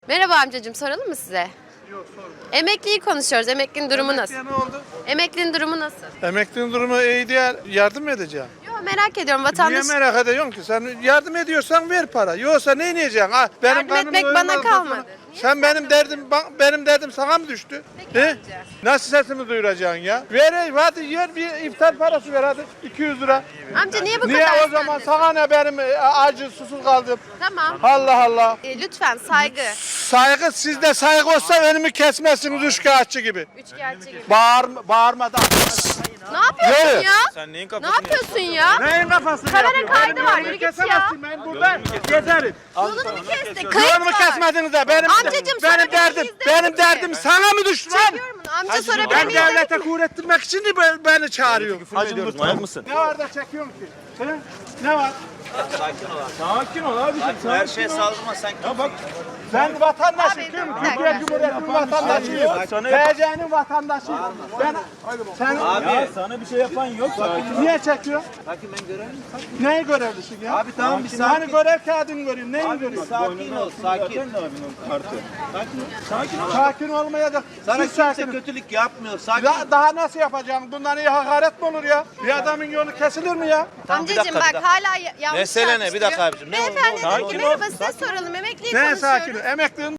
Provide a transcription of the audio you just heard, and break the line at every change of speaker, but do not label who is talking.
Merhaba amcacığım, soralım mı size?
Yok sorma.
Emekliyi konuşuyoruz. Emeklinin durumu nasıl?
Ne oldu?
Emeklinin durumu nasıl?
Emeklinin durumu iyi değil. Yardım mı edeceğim?
Yo, merak ediyorum
Niye
vatandaş.
merak ediyorsun ki? Sen yardım ediyorsan ver para. Yoksa ne yiyeceksin? Ha,
Yardım
karnımı
etmek bana
doyurmadıktan
kalmadı.
sonra-
Niye
Sen benim derdim sana mı düştü?
Peki
He?
amca.
Nasıl sesimi duyuracaksın ya? Ver hadi yer bir iftar parası ver hadi 200 lira.
Amca niye bu
Niye
kadar
o zaman
sinirlisin?
sana ne benim acı susuz kaldım.
Tamam.
Allah Allah.
Lütfen saygı.
Saygı sizde saygı olsa önümü kesmezsiniz üçkağıtçı gibi.
Üçkağıtçı gibi.
Bağırmadan.
Ne yapıyorsun
Yürü.
ya?
Sen neyin
Ne
kafasını
yapıyorsun ya?
Neyin kafasını
Kamera
yapıyorsun?
kaydı
Benim
var,
yolumu
yürü git ya.
kesemezsin, Ben burada gezerim.
Yolunu mu kestik? Kayıt
Yolumu
var.
kesmediniz de benim
Amcacığım, sana
benim
bir
derdim
şey izlemedim
benim
ki.
derdim sana mı düştü lan?
Çekiyorum bunu. Amca sorabilir
Ben
miyim?
devlete kuvvettirmek için de beni çağırıyor.
ediyoruz? Manyak mısın?
Ne var da çekiyorsun ki? He? Ne var?
Sakin ol abicim. Her şeye saldırma sen. Ya bak.
Ben vatandaşım.
Abi,
Kim?
bir dakika.
Türkiye Cumhuriyeti'nin vatandaşıyım. TC'nin vatandaşıyım. Sen
Ya sana bir şey yapan yok.
niye çekiyorsun?
Sakin ben görevliyim.
Neyi görevlisin ya?
Abi tamam bir
Hani
sakin.
görev kağıdını görüyorsun. Neyi görüyorsun?
Sakin ol sakin. Sakin ol.
Sakin olmaya da
Sana
siz
kimse
sakin.
kötülük yapmıyor. Sakin.
Daha nasıl yapacağım? Bundan iyi hakaret mi olur ya? Bir adamın yolu kesilir mi ya?
Tamam, bir
Amcacığım
dakika,
bak
bir dakika.
hala yanlış
Mesele ne? Bir dakika
tartışılıyor.
abicim, ne oldu,
Beyefendi
ne oldu?
dedi ki merhaba size soralım. Emekliyi
Ne
konuşuyoruz.
sakin? Emeklinin